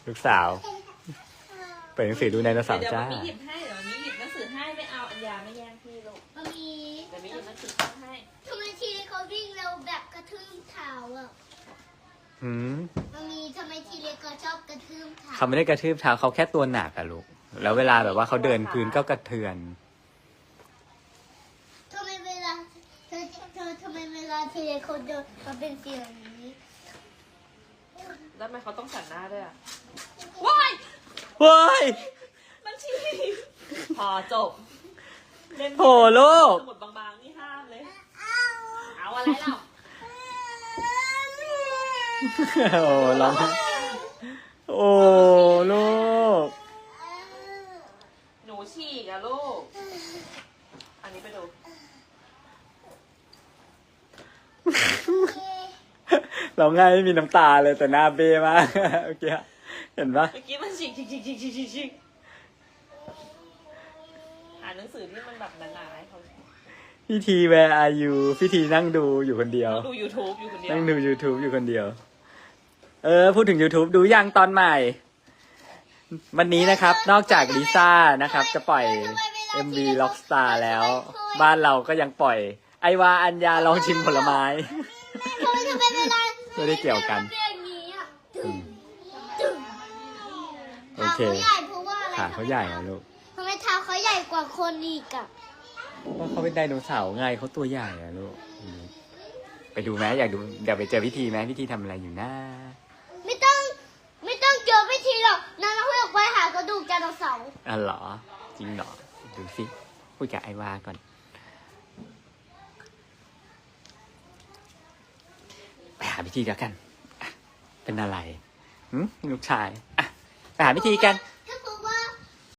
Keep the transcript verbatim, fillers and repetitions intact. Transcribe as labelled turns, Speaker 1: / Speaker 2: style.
Speaker 1: ลูกสาวเปิดหนังสือดูไดโนเสาร์
Speaker 2: เดี๋ยว
Speaker 1: จ้า
Speaker 2: มันมีหยิบให้เดี๋ยวมันมีหยิบหนังสือให้ไม่เอาอัญญาไม่แย่งพี่ลูก
Speaker 3: มันมี
Speaker 2: เดี๋ยวมีหยิบหนังสือให้
Speaker 3: ทำไมทีเล็กเขาวิ่งเร็วแบบกระทืบเท้าอ่ะ
Speaker 1: หืม
Speaker 3: มันมีทำไมทีเล็กเขาชอบกระทืบเท้า
Speaker 1: เขาไม่ได้กระทืบเท้าเขาแค่ตัวหนักอะลูกแล้วเวลาแบบว่าเขาเดินพื้นก็กระเทือน
Speaker 3: ทำไมเวลาเธอเธอทำไมเวลาทีเล็กเขาเดินเขาเป็นเสียงนี้
Speaker 2: แล้วทำไมเขาต้องสั่นหน้าด้วยอ่ะว้าย
Speaker 1: เฮ้ย
Speaker 2: มันฉีกพอจบเล่น
Speaker 1: โหลูก
Speaker 2: สมุดบางๆนี่ห้ามเลย เอาอะไรเล่า
Speaker 1: โอ้ร้องไห้โอ้ลูก
Speaker 2: หนูฉีกอะลูก อันนี้ไปดู
Speaker 1: ร้องไห้ไม่มีน้ำตาเลยแต่หน้าเบ้มากเมื่อกี้เห็นปะ
Speaker 2: เมื่อกี้มันฉีกฉีกฉีกฉีกฉีกฉีกฉีกอ่านหนังสือที่มันแบบหนาๆให้เขา
Speaker 1: พี่ที where are you พี่ทีนั่งดูอยู่คนเดียว
Speaker 2: ดู YouTube อยู่คนเดียว
Speaker 1: นั่งดู YouTube อยู่คนเดียว เออ พูดถึง YouTube ดูยังตอนใหม่ วันนี้นะครับ นอกจากลิซ่านะครับ จะปล่อย เอ็ม วี Rockstar แล้ว บ้านเราก็ยังปล่อย ไอวาอัญญาลองชิมผลไม้
Speaker 3: ทำไมทำไมเวลา
Speaker 1: ไม่ได้เกี่ยวกัน
Speaker 3: เป็นอย่างนี้อ่ะ
Speaker 1: อืม
Speaker 3: ตึง
Speaker 1: โอเค
Speaker 3: เท้าเขาใหญ่เพราะว่าอะไร
Speaker 1: ขาเขาใหญ่อะลูก
Speaker 3: ทำไมเท้าเขาใหญ่กว่าคนอีกอ่ะ
Speaker 1: เพราะเขาเป็นไดโนเสาร์ไงเขาตัวใหญ่อะลูกอืมไปดูไหมอยากดูเดี๋ยวไปเจอพิธีไหมพิธีทำอะไรอยู่นะ
Speaker 3: ไม่ต้องไม่ต้องเจอพิธีหรอกนางเพื่อไปหากระดูกไดโนเสาร์
Speaker 1: อ๋อเหรอ จริงเหรอ ดูสิคุยกับไอวาก่อน ไปหาพิธีแล้วกันอ่ะเป็นอะไรหืมลูกชายอ่ะไปหาพิธีกัน